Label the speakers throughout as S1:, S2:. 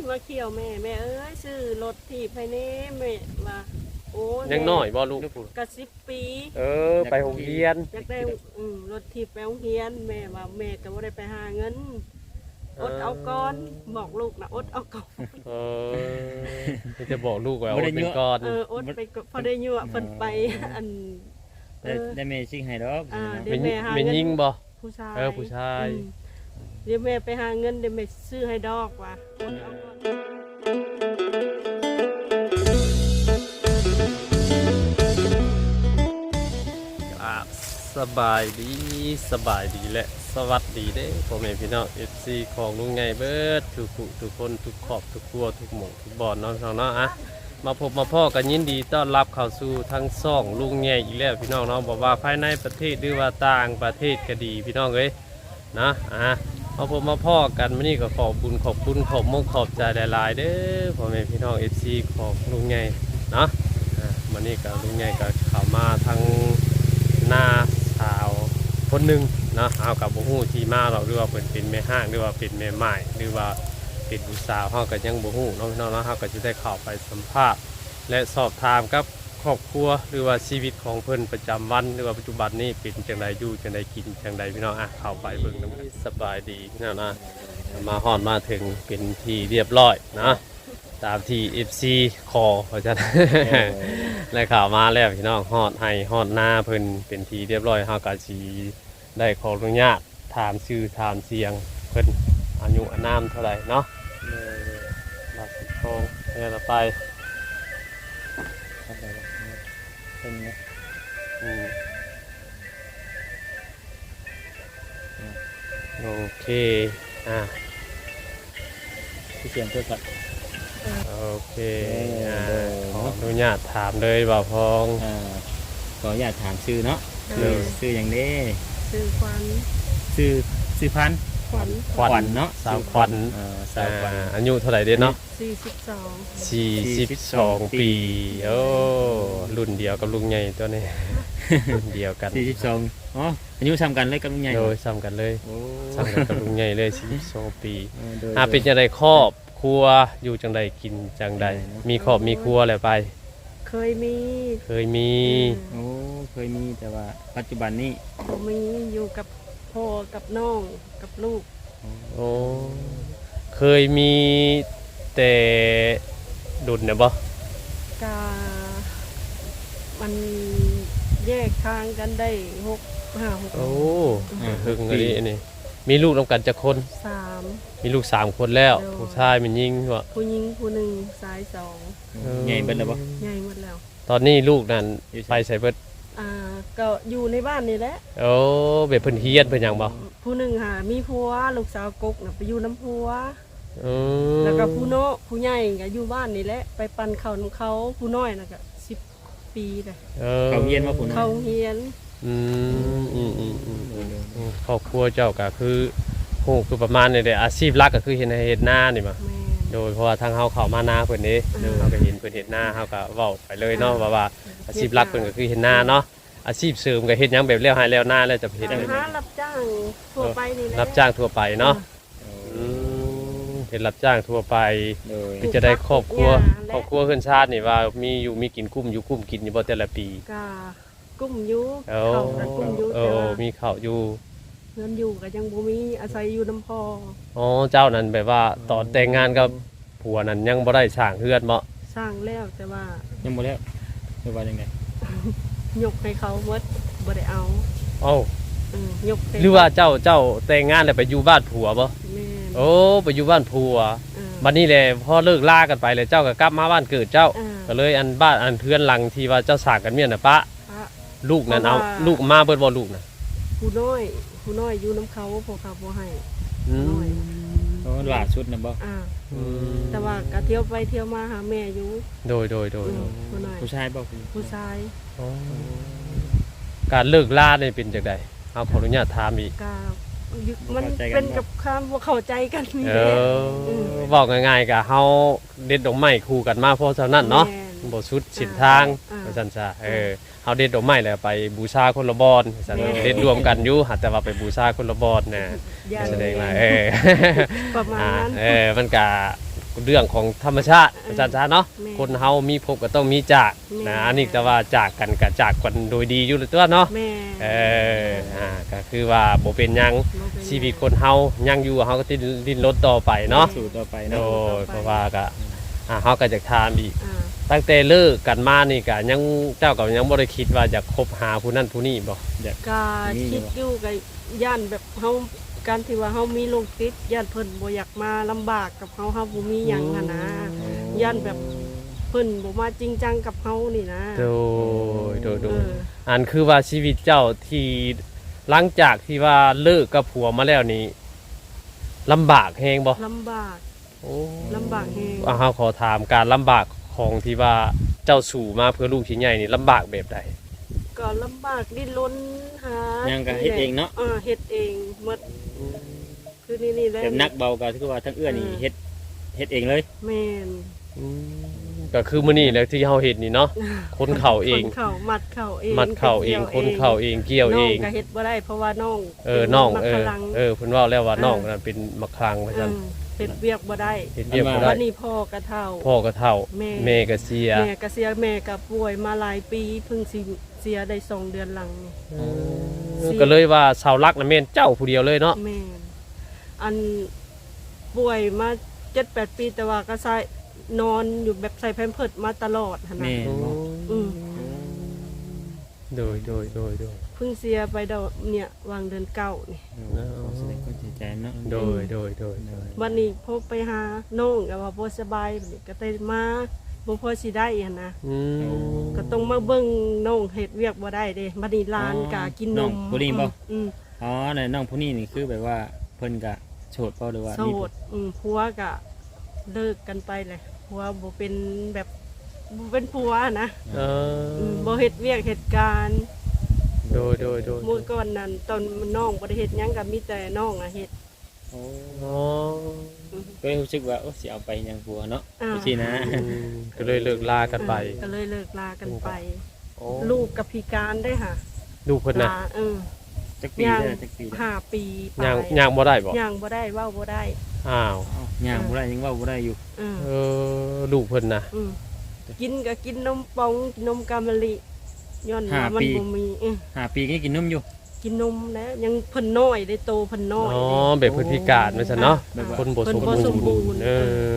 S1: มาเขี่ยวแม่เอ้ยซื้อรถถีบให้แน่แม่ว่าโอ้
S2: ยังน้อยบ่ลูก
S1: กะ10 ปี
S2: ไปโรงเรียน
S1: อยากได้รถถีบไปโรงเรียนแม่ว่าแม่ก็บ่ได้ไปหาเงินอดเอาก่อนบอกลูกนะอดเอาก่อน
S2: จะบอกลูกว่าอดเป็นก่อน
S1: อดไปพอได้ยั่วเพิ่นไปอัน
S3: ได้แม่ชิงให้ดอก
S1: เดี๋ยวแม่หาเงิน
S2: ยิงบ่
S1: ผู้ชาย
S2: ผู้ชาย
S1: เดี๋ยวแม่ไปหาเงินเดี๋ยวแม่ซื้อให้ดอกว่ะอดเอาก่อน
S2: สบายดีและสวัสดีเด้พ่อแม่พี่น้อง FC ของลุงไงเบิดทุกคนทุกครอบทุกครัวทุกหมู่ทุกบ่อนน้องๆเนาะอะมาพบมาพ่อกันยินดีต้อนรับเข้าสู่ทั้งซ่องลุงไงอีกแล้วพี่น้องเนาะบอกว่าภายในประเทศหรือว่าต่างประเทศก็ดีพี่น้องเอ้ยนะมาพบมาพ่อกันมื้อนี้ก็ขอบคุณขอบใจหลายๆเด้อพ่อแม่พี่น้อง FC ของลุงไงเนาะมื้อนี้ก็ลุงไงก็เข้ามาทั้งหน้าสาวคนหนึ่งนะเอากับบ่ฮู้ที่มาเราหรือว่าเป็นแม่ห้างหรือว่าเป็นแม่ไม้หรือว่าเป็นผู้สาวเฮาก็ยังบ่ฮู้น้องๆเฮาก็สิได้เข้าไปสัมภาษณ์และสอบถามกับครอบครัวหรือว่าชีวิตของเพิ่นประจำวันหรือว่าปัจจุบันนี้เป็นจังไดอยู่จังไดกินจังไดพี่น้องเข้าไปเบิ่งนำสบายดีพี่น้องนะมาฮอดมาถึงเป็นที่เรียบร้อยนะตามที่ FC ขอเพราะฉะนั้นและข่าวมาแล้วพี่น้องฮอดให้ฮอดหน้าเพิ่นเป็นที่เรียบร้อยเฮาก็สิได้ขออนุญาตถามชื่อถามเสียงเพิ่นอายุอานามเท่าไหร่เนาะบาสิทองเนี่ยเราไป
S3: เป็นไง
S2: โอเค
S3: ที่เสียงเพื่อกัน
S2: โอเคขออนุญาตถามเลยบ่าวพอง
S3: ขออยากถามชื่อเนาะชื่ออย่างนี้
S1: ซื้อควัน
S3: ซื้อพันขวัญเนาะ
S2: สาวขวัญอายุเท่าไหร่เด้เนาะ42ปีโอ้รุ่นเดียวกับลุงใหญ่ตัวนี้รุ่นเดียวกัน
S3: 42อ๋ออายุซ้ำกันเลยกับลุงใหญ่
S2: โดยซ้ำกันเลยซ้ำกันกับลุงใหญ่เลย42ปีเป็นจังไดครอบครัวอยู่จังไดกินจังไดมีครอบมีครัวแล้วไป
S1: เคยมี
S3: โอ้เคยมีแต่ว่าปัจจุบันนี้
S1: ผมมีอยู่กับพ่อกับน้องกับลูก
S2: โอ้เคยมีแต่ดุลเนี่ยบ่
S1: กามันแยกทางกันได้6
S2: โอ้ถึงอะไรนี่มีลูกนำกันจักคน
S1: 3
S2: มีลูก3คนแล้วผู้ชายมันยิงวะ
S1: ผู้หญิงผู้1ชาย2
S3: ใหญ่เบิดแล้วบ่
S1: ใหญ่หมดแล้ว
S2: ตอนนี้ลูกนั่นไปใส่เบิด
S1: ก็อยู่ในบ้านนี่แหละ
S2: โอ้แบบเพิ่นเฮียนเพิ่นหยังบ่
S1: ผู้1มีผัวลูกสาวกกน่ะไปอยู่น้ำผัวแล้วก็ผู้ใหญ่ก็อยู่บ้านนี่แหละไปปั่นข้าวน้ำเขาผู้น้อยน่ะก็10 ปีเลย
S3: เขาเฮียนว่าผู้น้อย
S1: เขาเฮียน
S2: ครอบครัวเจ้าก็คือโหคือประมาณนี้แหละอาชีพหลักก็คือเฮ็ดนานี่มาโดยเพราะว่าทางเฮาเข้ามานาเพิ่นนี่เฮาก็เห็นเพิ่นเฮ็ดนาเฮาก็เว้าไปเลยเนาะว่าอาชีพหลักเพิ่นก็คือเฮ็ดนาเนาะอาชีพเสริมก็เฮ็ดหยังแบบแล้วหายแล้วนาแล้วจะเฮ็ด
S1: หารับจ้างทั่วไปนี่แหละ
S2: รับจ้างทั่วไปเนาะเฮ็ดรับจ้างทั่วไปคือจะได้ครอบครัวเฮือนชาตินี่ว่ามีอยู่มีกินกุ้มกินอยู่บ่แต่ละปี
S1: ก็กุ้มอยู่ข้าวก็กุ้มอยู่
S2: มีข้าวอยู่
S1: เงินอยู่ก็ยังบ่มีอาศัยอยู่น้ำพ่อ
S2: เจ้านั้นแบบว่าตอนแต่งงานกับผัวนั้นยังบ่ได้สร้างเฮือนบ่
S1: สร้างแล้วแต่ว่า
S3: ยังบ่แล้วหรือว่าจังได๋
S1: ยกให้เขาหมดบ่ได้เอายก
S2: หรือว่าเจ้าแต่งงานแล้วไปอยู่บ้านผัวบ่โอ้ไปอยู่บ้านผัวบัดนี้แหละพอเลิกลากันไปแล้วเจ้าก็กลับมาบ้านเกิดเจ้าก็เลยอันบ้านอันเพื่อนหลังที่ว่าเจ้าสร้างกันเมียน่ะปะลูกนั่นเอาลูกมาเบิดบ่ลูกน่ะ
S1: ผู้น้อยอยู่น้ำเขาพอเขาบ่ให้น้อย
S3: ล่าสุดน่ะบ่
S1: แต่ว่าก็เที่ยวไปเที่ยวมาหาแม่อยู่
S2: โดย
S3: ผู้ชายบ่
S1: ผู้ชาย
S2: การเลิกลาได้เป็นจังได๋เอาขออนุญาตถามอีก
S1: มันเป็นกับความบ่เข้าใจกันนี่
S2: เว้าง่ายๆก็เฮาเด็ดดอกไม้คู่กันมาเพราะฉะนั้นเนาะบ่สุดสินทางว่าซั่นซะเฮาเด็ดดอกไม้แล้วไปบูชาคนละบอนซั่นเด็ดรวมกันอยู่แต่ว่าไปบูชาคนละบอนน่ะแสดงว่า
S1: ประมาณนั้น
S2: มันก็เรื่องของธรรมชาติอาจารย์เนาะ
S1: แม่
S2: คนเฮามีพบก็ต้องมีจาก
S1: แม่
S2: นะอันนี้แต่ว่าจากกันก็จากกันโดยดีอยู่ตัวเนาะ
S1: แม่
S2: ก็คือว่าบ่เป็นหยัง
S1: บ่เป็น
S2: ชีวิตคนเฮายังอยู่เฮาก็ดิ้นรนต่อไปเนาะ
S3: สู่ต่อไป
S2: โด
S3: เนาะ
S2: ยเพราะว่าก็เฮาก็จะถามอีก
S1: อ่า
S2: ตั้งแต่เลิกกันมานี่ก็ยังเจ้าก็ยังบ่ได้คิดว่าจะคบหาผู้นั้นผู้นี้บ่
S1: ก็คิดอยู่กับย่านแบบเฮาการที่ว่าเฮามีโรคติดย่านเพิ่นบ่อยากมาลำบากกับเฮาบ่มีหยังหั่นนะย่านแบบเพิ่นบ่มาจริงจังกับเฮานี่นะ
S2: โดย
S1: เออ
S2: อันคือว่าชีวิตเจ้าที่หลังจากที่ว่าเลิกกับผัวมาแล้วนี่ลำบากแฮงบ่
S1: ลำบาก
S2: โอ้
S1: ลำบากแฮง
S2: เฮาขอถามการลำบากของที่ว่าเจ้าสู่มาเพื่อลูกชิ้นใหญ่นี่ลำบากแบบใด
S1: ก็ลำบากดิ้นรนหา
S3: ยังก็เฮ็ดเองเนาะ
S1: เฮ็ดเองหมดคือนี่แหละ
S3: แต่นักเบาก็คือว่าทั้งเอื้อนี่เฮ็ดเองเลย
S1: แม่น
S2: ก็คือมื้อนี้แหละที่เฮาเฮ็ดนี่เนาะคนเข่าเอง
S1: คนเข่ามัดเข่าเอง
S2: มัดเข่าเองคนเข่าเองเกี่ยวเอง
S1: น้องก็เฮ็ดบ่ได้เพราะว่าน้อง
S2: น้อง
S1: เป็นมักพลัง
S2: เพิ่นเว้าแล้วว่าน้องนั่นเป็นมะครังว่าซั่น
S1: เฮ็ดเวียกบ่ได้
S2: เฮ็ดเวียกบ่ได้
S1: วันนี้พ่อก็เฒ่า
S2: พ่อก็เฒ่า
S1: แม่
S2: แม่ก็เสีย
S1: แม่ก็เสียแม่ก็ป่วยมาหลายปีเพิ่งสิเสียได้2เดือนหลังนี่
S2: ก็เลยว่าชาวลักน่ะแม่นเจ้าผู้เดียวเลยเนาะ
S1: แม่นอันป่วยมา 7-8 ปีแต่ว่าก็ใส่นอนอยู่แบบใส่แพมเพิร์สมาตลอดหั่น
S3: แม่
S1: น่ะ
S3: นบ่
S1: อืม
S2: โดย
S1: เพิ่งเสียไปดอกเนี่ยวางเดือนเก้านี่
S3: ขอแสดงความเสียใจเนาะ
S2: โดย
S1: วันนี้พบไปหาน้องก็ว่าบ่สบายบัดนี้ก็ได้มาบ่พอสิได้หั่นนะ
S2: อืม
S1: ก็ต้องมาเบิ่งน้องเฮ็ดเวียกบ่ได้เด้บัดนี้หลานก็กินนม
S3: ผู้นี้บ่
S1: อืม
S3: อ๋อนั่นน้องผู้นี้นี่คือแบบว่าเพิ่นก็โสดบ่หรือว่า
S1: โส
S3: มี
S1: ดผัวก็เลิกกันไปเลยผัวบ่เป็นแบบบ่เป็นผัวนะ
S2: เออ
S1: บ่เฮ็ดเวียกเหตุการณ์
S2: โดย
S1: มื้อก่อนนั้นตอนน้องบ่ได้เฮ็ดหยังก็มีแต่น้องเฮ็ด
S3: โอ้
S2: อ๋อ
S3: ก็รู้สึกว่าโอ้สิเอาไปยังผัวเนาะ
S1: อ่า
S3: จังซี่นะ
S2: ก็เลยเลิกลากันไป
S1: ก็เลยเลิกลากันไป
S2: โอ้
S1: ลูกกับพิการได้ค่ะ
S2: ลูกเพิ่นน่ะ
S1: ลา
S3: จักปี
S1: ย่าง
S3: เด้อจักปีเด้อ
S1: 5 ปีไป
S2: ย่างบ่ได้บ่
S1: ย่างบ่ได้เว้าบ่ได้
S2: อ้าว
S3: อ้าวย่างบ่ได้ยังเว่าบ่ได้อยู่
S1: เออ
S2: เออลูกเพิ่นน่ะ
S1: อืมกินก็กินนมปองกินนมกามะลิย้อนว่ามันบ่มี
S3: 5 ปีก็กินนมอยู่
S1: กินนมแล้วยังเพิ่นน้อยได้โตเพิ่นน้อย
S2: อ๋อ
S1: เด้
S2: แบบเพิ่นพิการว่าซั่นเนาะ
S3: แบบว่า
S2: คนบ่สม
S1: เพิ่นบ่สมบู
S2: บู
S1: ร
S2: ร
S1: ณ์
S2: ณ์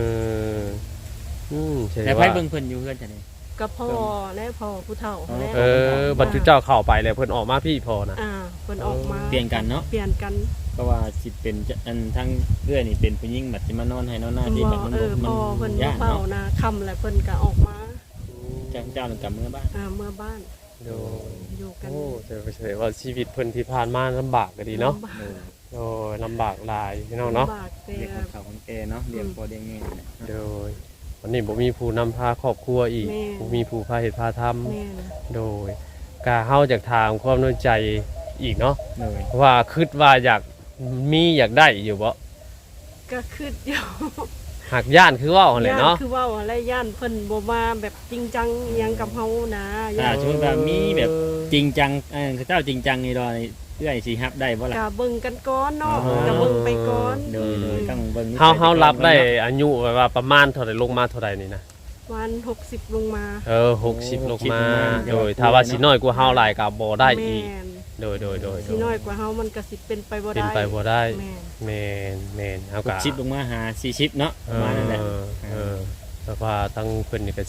S2: ใช่
S3: แต่ไผ
S2: ว่า
S3: เบิ่งเพิ่นอยู่เฮือนจังได๋
S1: ก็พ่อและพ่อผู้เฒ่าและ
S2: บัดจุเจ้าเข้าไปแล้วเพิ่นออกมาพี่พอนะ
S1: เพิ่นออกมา
S3: เปลี่ยนกันเนาะ
S1: เปลี่ยนกัน
S3: เพราะว่าสิเป็นอันทั้งเอื้อนี่เป็นผู้หญิงบัดสิมานอนให้นอนหน้าที่บัดมัน
S1: พ่อเพิ่น
S3: ยาก
S1: เฝ้า
S3: เนาะ
S1: นะค่ำแล้วเพิ่นก็ออกมา
S3: เจ้านั่นกลับเมื่อบ้าน
S1: เมื่อบ้าน
S2: โด
S1: อยู่กัน
S2: โอ้แต่ว่าชีวิตเพิ่นที่ผ่านมาลำบากก็ดีเนาะ
S1: ลำบาก
S2: โดยลำบากหลายพี่น้องเนาะ
S1: ลำบากแต่
S3: เรียกคนเฒ่าคนแก่เนาะเรียกพ่อเรียกแม่นั่นแหละ
S2: โดยวันนี้บ่มีผู้นำพาครอบครัวอีกบ่มีผู้พาเฮ็ดพาทำ
S1: แม่น
S2: โดยกาเฮาจากทางความน้อยใจอีกเนาะ
S3: เลย
S2: ว่าคิดว่าอยากมีอยากได้อยู่บ่
S1: ก็คืออยู่
S2: หักย่านคือว่าหั่นแหละเนาะ
S1: คือว่าอะไรย่านเพิ่นบ่มาแบบจริงจังอิหยังกับเฮานะ
S3: ถ้าสมมุติว่ามีแบบจริงจังเจ้าจริงจังนี่ดอยเอื้อยสิรับได้บ่ล่ะ
S1: ก็เบิ่งกันก่อนเนาะก็เบิ่งไปก่อน
S3: โดยต้องเบิ่ง
S2: เฮารับได้อายุแบบว่าประมาณเท่าใดลงมาเท่าใดนี่นะ
S1: วัน60ลงมา
S2: 60ลงมาโดยถ้าว่าสิน้อยกว่าเฮาหลายก็บ่ได้อีก
S1: แม่น
S2: โดย
S1: สิน้อยกว่าเฮามันก็สิเป็นไปบ่ได้
S2: เป็นไปบ่ได้
S1: แม่น
S2: แม่นเฮาก็
S3: 60ลงมาหา40เนาะประมาณนั้นแหละ
S2: แต่ว่าตั้งเพิ่นนี่ก็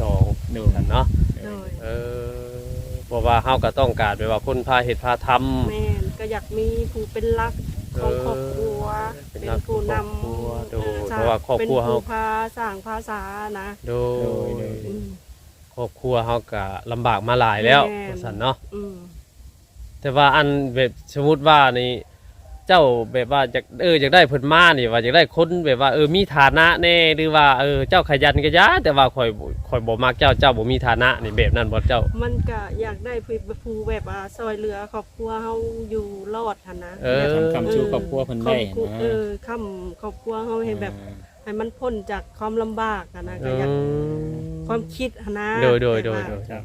S2: 42
S3: โดย
S2: กันเนาะ
S1: โดย
S2: เพราะว่าเฮาก็ต้องการแบบว่าคนพาเฮ็ดพาทำ
S1: แม่นก็อยากมีผู้เป็นหลักของครอบครัว
S2: เป็น
S1: เป็น
S2: หลัก
S1: ผู้น
S2: ของครอบครัวโดย
S1: ำ
S2: เพราะว่าครอบครัว
S1: เป็น
S2: เฮา
S1: ผู้พาสร้างภาษานะ
S2: โดย
S1: อืม
S2: ครอบครัวเฮาก็ลำบากมาหลายแล้ว
S1: แม่น
S2: ว่าซั่นเนาะ
S1: อืม
S2: แต่ว่าอันแบบสมมุติว่านี่เจ้าแบบว่าอยากได้เพิ่นมานี่ว่าอยากได้คนแบบว่ามีฐานะแน่หรือว่าเจ้าขยันก็ยาแต่ว่าข่อยบ่มักเจ้าบ่มีฐานะนี่แบบนั้นบ่เจ้า
S1: มันก็อยากได้ผู้แบบซอยเหลือครอบครัวเฮาอยู่รอดหั่นนะ
S3: ทำคำชูครอบครัวเพิ่นได้นะ
S1: คำครอบครัวเฮาให้แบบให้มันพ้นจากความลำบากอะนะก็อยากความคิดหั่นนะ
S2: โดย
S1: แบบว่า
S3: ครับ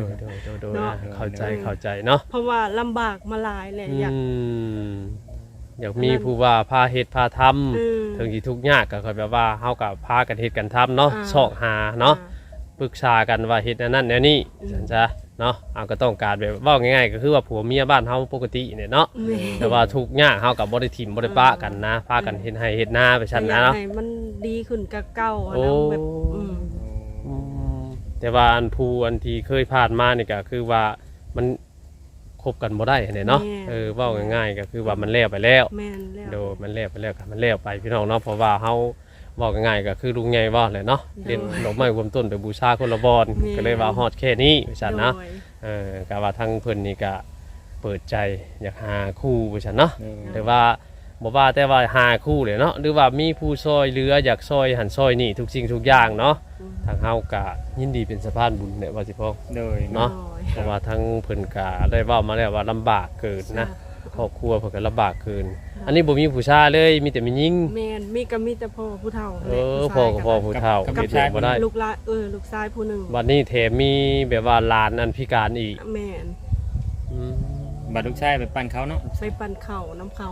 S2: เข้าใจเนาะ
S1: เพราะว่าลำบากมาหลายแหละอยาก
S2: อยากมีผู้ว่าพาเฮ็ดพาทำ
S1: เออ
S2: ถึงสิทุกข์ยากก็ค่อยแบบว่าเฮาก็พากันเฮ็ดกันทำเนาะ
S1: อ่า
S2: ซอกหาเนาะปรึกษากันว่าเฮ็ดอันนั้นแนวนี้ซั่นซะเนาะเอาก็ต้องการแบบเว้าง่ายๆก็คือว่าผัวเมียบ้านเฮาปกติเนี่ยเนาะ
S1: แม่
S2: แต่ว่าทุกข์ยากเฮาก็บ่ได้ถิ่มบ่ได้ปะกันนะพากันเฮ็ดให้เฮ็ดนาไปซั่น
S1: อยา
S2: นะ
S1: ก
S2: เนาะ
S1: ให้มันดีขึ้นกับเก่าอะ
S2: โอ้
S1: นะแบบ
S2: อืมแต่ว่าอันผู้อันที่เคยผ่านมานี่ก็คือว่ามันคบกันบ่ได้เนี่ยเนาะเว้าง่ายๆก็คือว่ามันแล้วไปแล้ว
S1: แม่นแล้ว
S2: โดมันแล้วไปแล้วก็มันแล้วไปพี่น้องเนาะเพราะว่าเฮาเว้าง่ายๆก็คือลุงใหญ่ว่าแหละเนาะเล่นดอกไม้รวมต้นไปบูชาคนละบอนก็เลยว่าฮอดแค่นี้ว่าซั่นนะ
S1: โดย
S2: ก็ว่าทางเพิ่นนี่ก็เปิดใจอยากหาคู่ว่าซั่นเนาะ
S3: เออ
S2: หรือว่าบ่ว่าแต่ว่าหาคู่เลยเนาะหรือว่ามีผู้ซอยเหลืออยากซอยหันซอยนี่ทุกสิ่งทุกอย่างเนาะทางเฮาก็ยินดีเป็นสะพานบุญเนี่ยว่าสิพ่อ
S3: โดย
S2: เนาะ
S1: โดย
S2: เพราะว่าทั้งเพิ่นก็ได้เว้ามาแล้วว่าลำบากเกินนะครอบครัวเพิ่นก็ลำบากเกิน อันนี้บ่มีผู้ชายเลยมีแต่มีหญิง
S1: แม่นมีแต่พ่อผู้เฒ่า
S2: พ่อกับพ่อผู้เฒ่า
S3: กับ
S2: เฮ็ดหยังบ่ได้
S1: ลูกหลานลูกชายผู้หนึง
S2: บัดนี้แถมมีแบบว่าหลานอันพิการอีก
S1: แม่น
S2: อืม
S3: บัดลูกชายไปปั่นเขาเนาะ
S1: ไปปั่นเข่าน้ำเขา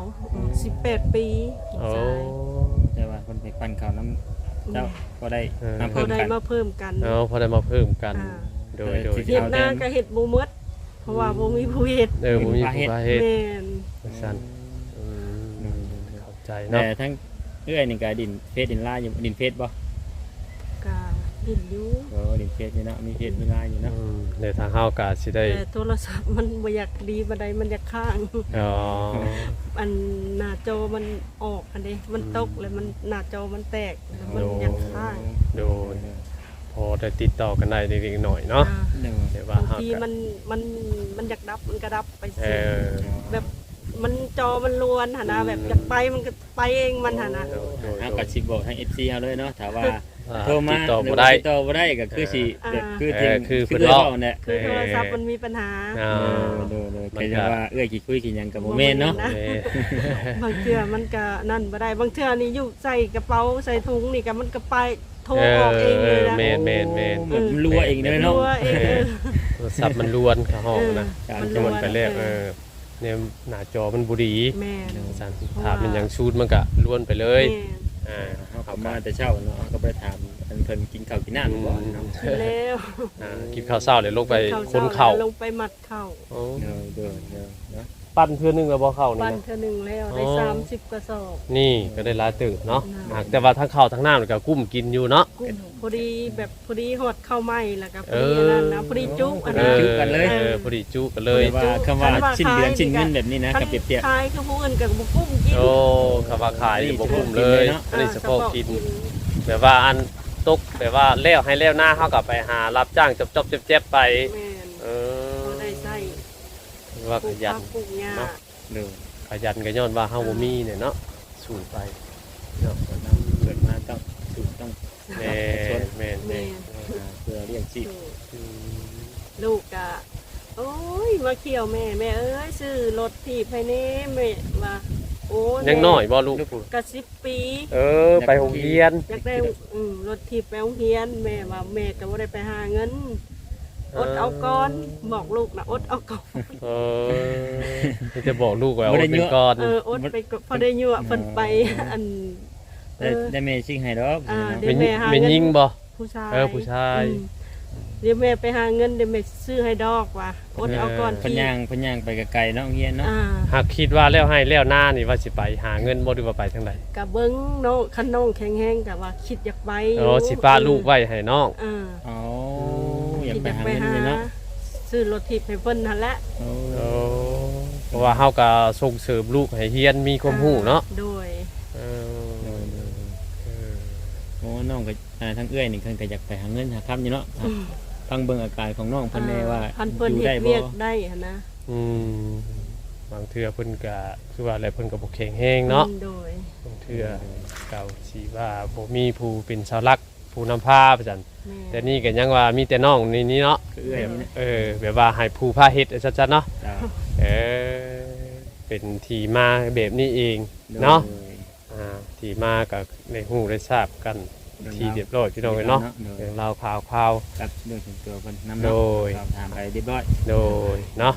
S1: 18 ปีลูก
S2: โอ้
S1: ชาย
S3: แต่ว่าคนไปปั่นเขาน้ำเจ้าก็ได้
S2: เออ
S3: น้ำ
S1: เขา
S3: เพิ่ม
S1: ได้
S3: กัน
S1: มาเพิ่มกัน
S2: พอได้มาเพิ่มกัน
S1: อ่า
S2: โดย
S3: ที่
S1: เฮ็ดหน้าก็เฮ็ดบ่หมดเพราะว่าบ่มีผู้เฮ็ด
S2: บ่มีผู้พาเฮ็ด
S1: แม่น
S2: ซั่นเข้าใจ
S3: แต่
S2: เนาะ
S3: ทั้งเอื้อยนี่ก็ดินเฟซดินลายอยู่ดินเฟซบ่
S1: ก็ดินอยู่
S3: โอ้ดินเฟซนี่เนาะมีเฟซมีลายอยู่เนาะ
S2: เดี๋ยวทางเฮาก็สิได้
S1: แต่โทรศัพท์มันบ่อยากดีบันไดมันอยากค้าง
S2: อ๋อ
S1: อันหน้าจอมันออกอันนี้มันตกแล้วมันหน้าจอมันแตกแล้วมันอยากค้าง
S2: โดยพอได้ติดต่อกันได้เล็กๆหน่อยเนาะ
S1: อ่า
S3: เดี๋ยว
S2: เดี๋ยวว่า
S1: บาง
S2: เฮา
S1: ที
S2: ก็
S1: มันอยากดับมันก็ดับไป
S2: เอ
S1: สิ
S2: อ
S1: แบบมันจอมันลวนหนนะแบบอยากไปมันก็ไปเองมันหนนะ
S2: โดย
S3: เฮาก็สิบอกทาง FC เฮาเลยเนาะถ้าว่า
S2: อ่า
S3: โทรมา
S2: ติดต่อ
S3: หรื
S2: บ่
S3: ว่า
S2: ได้
S3: ติดต่อบ่ได้ก็คือสิแบบคือจริง
S2: คือเพิ่น
S3: เอื้อย
S2: เว้า
S3: เว้าเนี่ย
S1: คือโทรศัพท์มันมีปัญหา
S2: อ่า
S3: โดยๆแต่ว่าเอื้อยกี่คุยกี่หยังก็บ่แม่นเนาะ
S1: บ่แม่น บางเทื่อมันก็นั่นบ่ได้บางเทื่อนี่อยู่ใส่กระเป๋าใส่ถุงนี่ก็มันก็ไปโทรออกเองเลยนะ
S2: แม่น
S3: แบบรัวเองเลยเนาะ
S1: รัวเอง
S2: โทรศัพท์มันล้วนเข้าห้องนะ
S3: เออ
S1: มัน
S2: จ
S1: ล้
S2: น
S1: วน
S2: ไปแรกเนี่ยหน้าจอมันบ่ดี
S1: แม่น
S2: สั่นถ้ามันยังชูดมันก็ล้วนไปเลย
S1: แม่น
S3: เฮาก็มาแต่เช้าเนาะก็ไปถามอันเพิ่นกินข้าวกินน้ำบ่เนาะ
S1: กินแล้ว
S2: กินข้าวเช้าเลยลงไปคนเข่า
S1: ลงไปหมัดเข่า
S2: โอ้
S3: เด้อเนาะ
S2: ปั้นเพื่อนึงแล้วบ่เข้านี่
S1: ปั้น
S2: นะ
S1: เทื่อหนึงแล้วได้
S2: อ๋อ
S1: 30กระสอบ
S2: นี่ก็ได้หลายตื่นเนาะ
S1: น่ะ
S2: หากแต่ว่าทั้งข้าวทั้งน้ำนี่ก็กุ้มกินอยู่เนาะ
S1: กุ้งพอดีแบบพอดีหอดเข้าวไหม้แล้วก็พ
S2: เอ
S1: อ
S2: อ
S1: ดีอันนั้นนะพอดีจุ๊อัน
S3: เอ
S1: นั้น
S3: จุ๊กันเลย
S2: พอดีจุกันเลย
S3: ว่าคำว่าชิ้นเดือนชิ้นเงินแบบนี้นะกับเปรียบ
S1: ขายคือผู้อื่นกับบุกุ้มกิน
S2: โอ้คำว่าขายนี่บ่กุ้มเลย
S3: เนาะ
S2: อันนี้เฉพาะกินแบบว่าอันตกแบบว่าแล้วให้แล้วหน้าเฮาก็ไปหารับจ้างจบๆเจ็บๆไป
S1: แม่น
S2: เอ
S1: บ่
S2: อ
S1: ได้ใส่
S2: ว่า
S1: ป
S2: ข
S1: ลูก
S2: ยั
S1: ผั
S2: น
S1: กปลูกหญ้า
S2: เนาะ
S3: ๆเด้อ
S2: ขยันก็ย้อนว่าเฮาบ่มีเนี่ยเนาะสู้ไปเนาะ
S3: เกิดมาต้องถูกต้อง
S2: แม่แม่แม่
S3: เพื่อเลี้ยงชีพ
S1: ลูกกะโอ้ยมาเขี่ยวแม่แม่เอ้ยซื้อรถที่ภายในแม่ว่าโอ้ย
S2: ยังน้อยบ่ลูกพูด
S1: กะ10 ปี
S2: ไปโรงเรียน
S1: อยากได้รถที่ไปโรงเรียนแม่ว่าแม่ก็บ่ได้ไปหาเงินอดเอาก่อนบอกลูกนะอดเอาก่อน
S2: นี่จะบอกลูกว่าเอาเป็นก่อน
S1: อดไปก่อนพอได้ยั่วเพิ่นไปอัน
S3: ได้แม่ชิงให้ดอก
S1: เดี๋ยว
S2: เป็น
S1: แม่หา
S2: เป็น
S1: เงิน
S2: ยิงบ่
S1: ผู้ชาย
S2: ผู้ชาย
S1: เดี๋ยวแม่ไปหาเงินเดี๋ยวแม่ซื้อให้ดอกว่ะอดเอาก่อน
S3: พญางพญางไปไกลๆเนาะเฮียนเนาะ
S2: หากคิดว่าแล้วให้แล้วหน้านี่ว่าสิไปหาเงินบ่หรือว่าไปทางใด
S1: กะเบิ้งน้องคันน้องแข็งแรงกะว่าคิดอยากไป
S2: สิป้าลูกไว้ให้น้อง
S3: อ๋ออยาก
S1: คิด
S3: ไป
S1: อยาก
S3: หา
S1: ไป
S3: เงิน
S1: หา
S3: เลยเนาะ
S1: ซื้อรถทิพย์ให้เพิ่นนั่นแหละ
S2: เพราะว่าเฮาก็ส่งเสริมลูกให้เรียนมีความรู้เนาะ
S1: โดย
S3: โอ้น้องก็ทั้งเอื้อยนี่เพิ่นก็อยากไปหาเงินหาคำอยู่เนาะฟังเบิ่งอาการของน้องเพิ่นแน่ว่า
S1: พันเพิ่น
S3: อยู่
S1: เฮ็
S3: ได้
S1: ด
S3: บ่
S1: เวียกได้หั่นนะ
S2: บางเทื่อเพิ่นก็คือว่าอะไรเพิ่นก็บ่แข็งแรงเนาะ
S1: โดย
S2: บางเทื่อเก่าสิว่าบ่มีผู้เป็นเสาหลักผู้นำพาไปซั่น
S1: แม่
S2: แต่นี่ก็ยังว่ามีแต่น้องนี่เนาะ
S3: คือเอื้อยนี่นะ
S2: แบบว่าให้ผู้พาเฮ็ดชัดๆเนาะ
S3: จ้า
S2: เป็นที่มาแบบนี้เองเนาะที่มากับในหูได้ทราบกันที่เรียบร้อยพี่น้องเนาะเรื่องราวข่าว
S3: กับเรื่องส่วนตัวเพิ่นนำ
S2: โดย
S3: สอบถามไปเรียบร้อย
S2: โดยเนาะ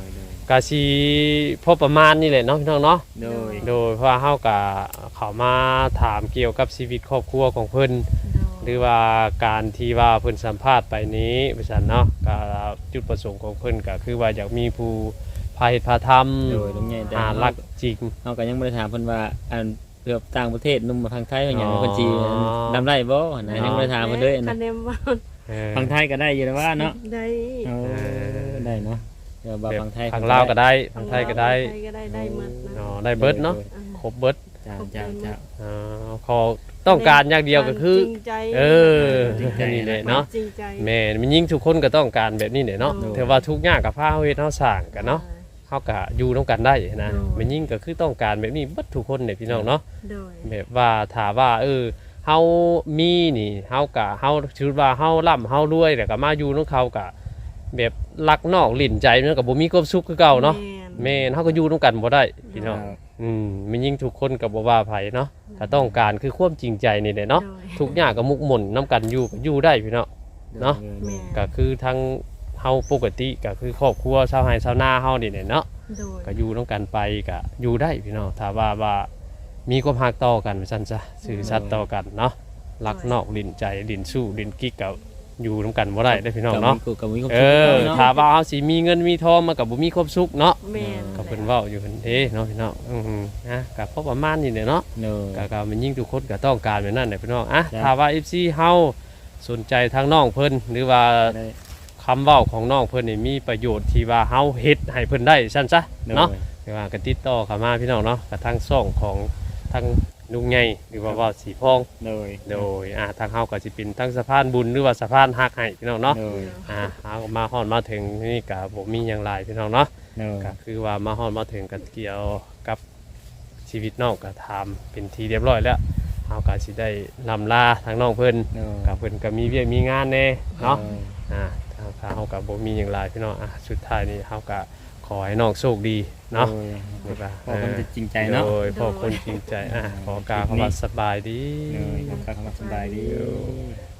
S2: กะสิพอประมาณนี่แหละเนาะพี่น้องเนาะ
S3: โดย
S2: โดยเพราะว่าเฮาก็เข้ามาถามเกี่ยวกับชีวิตครอบครัวของเพิ่นหรือว่าการที่ว่าเพิ่นสัมภาษณ์ไปนี้ว่าซั่นเนาะก็จุดประสงค์ของเพิ่นก็คือว่าอยากมีผู้พาเฮ็ดพาทำ
S3: โดยลุงใหญ่แต่
S2: หารักจริง
S3: เฮาก็ยังบ่ได้ถามเพิ่นว่าอันเกือบต่างประเทศนุ่มมาทางไทยว่าหยัง
S2: อ๋อ
S3: เพิ่นสิดำได้บ่นะยังบ่ได้ถามเพิ่นเลย
S1: คะ
S3: นะ
S1: แนนว่า
S2: เออ
S3: ทางไทยก็ได้อยู่แล้วว่าเนาะ
S1: ได้
S3: เออได้เนาะเดี๋ยวบ่า
S2: แบบ
S3: ทางไทย
S2: ทางลาวก็ได้ทางไทยก็ได้
S1: ไทยก็ได้หมดนะ
S2: อ๋อได้เบิดเนาะครบเบิด
S3: จ้าจ้าจ้า
S2: อ๋อขอต้องการอย่างเดียวก็คือ
S1: จริงใจ
S2: เออ
S3: จริงใจ
S2: นี่แหละเนาะ
S1: จริงใจ
S2: แม่นมันยิ่งทุกคนก็ต้องการแบบนี้แหละเนาะ
S1: โดย
S2: แต่ว่าทุกอย่างกับพาเฮาเฮ็ดเฮาสร้างกันเนาะเฮาก็อยู่ร่วมกันได้นะ
S1: โดย
S2: มันยิ่งก็คือต้องการแบบนี้เบิดทุกคนเนี่ยพี่น้องเนาะ
S1: โดย
S2: แบบว่าถ้าว่าเฮามีนี่เฮาก็เฮาคิดว่าเฮาร่ำเฮารวยแล้วก็มาอยู่นำเขาก็แบบรักนอกลิ้นใจมันก็บ่มีความสุขคือเก่าเนาะแม่นเฮาก็อยู่ร่วมกันบ่ได้พี่น้องมันยิ่งทุกคนก็บ่ว่าไผเนาะถ้าต้องการคือความจริงใจนี่แหละเนาะ
S1: โดย
S2: ทุกอย่างก็มุกหม่นนํกันอยู่ก็อยู่ได้พี่น้อง เนาะ
S1: แม่
S2: ก็คือทั้งเฮาปกติก็คือครอบครัวชาวไร่ชาวนาเฮานี่แหละเนาะ
S1: โดย
S2: ก็อยู่ร่วมกันไปก็อยู่ได้พี่น้องถ้าว่ามีความรักต่อกันว่าซั่นซะสื่อสัตย์ต่อกันเนาะรักนอกลิ้นใจลิ้นสู้ลิ้นกิ๊กก็อยู่ร่วมกันบ่ได้เด้อพี่น้องเนาะ
S3: ก็มีความ
S2: เอ
S3: สุข
S2: อ
S3: เนาะ
S2: ถ้าว่าเฮาสิมีเงินมีทองมันก็บ่มีความสุขเนาะ
S1: แม่น
S2: ก็เพิ่นเว้าอยู่เพิ่นเด้เนาะพี่น้องนะก็พอประมาณนี้แหละเนาะ
S3: เนอะ
S2: ก็มันยิ่งทุกคนก็ต้องการแบบนั้นแหละพี่น้องอ่ะ
S3: จ้ะ
S2: ถ้าว่า FC เฮาสนใจทางน้องเพิ่นหรือว่า
S3: ได้
S2: คำเว้าของน้องเพิ่นนี่มีประโยชน์ที่ว่าเฮาเฮ็ดให้เพิ่นได้ซั่นซะเนาะแต่ว่าก็ติดต่อเข้ามาพี่น้องเนาะกับทางช่องของทางลุงใหญ่หรือว่าเว้าสีพอง
S3: โดย
S2: โดยทางเฮาก็สิเป็นทางสะพานบุญหรือว่าสะพานฮักให้พี่น้องเนาะ
S3: โดย
S2: เฮามาฮอดมาถึงนี่ก็บ่มีหยังหลายพี่น้องเนาะ
S3: โดย
S2: ก็คือว่ามาฮอดมาถึงก็เกี่ยวกับชีวิตน้องก็ทำเป็นทีเรียบร้อยแล้วเฮาก็สิได้ลำลาทางน้องเพิ่น
S3: โดย
S2: กับเพิ่นก็มีเวียกมีงานแน่เนาะถ้าเฮาก็บ่มีหยังหลายพี่น้องสุดท้ายนี้เฮาก็ขอให้น้องโชคดีเนาะ
S3: โดยพอคนจะจริงใจเนาะ
S2: โดยพ่อคนจริงใจขอกล่าวคำว่าสบายดี
S3: โดยขอบคุณสบายดี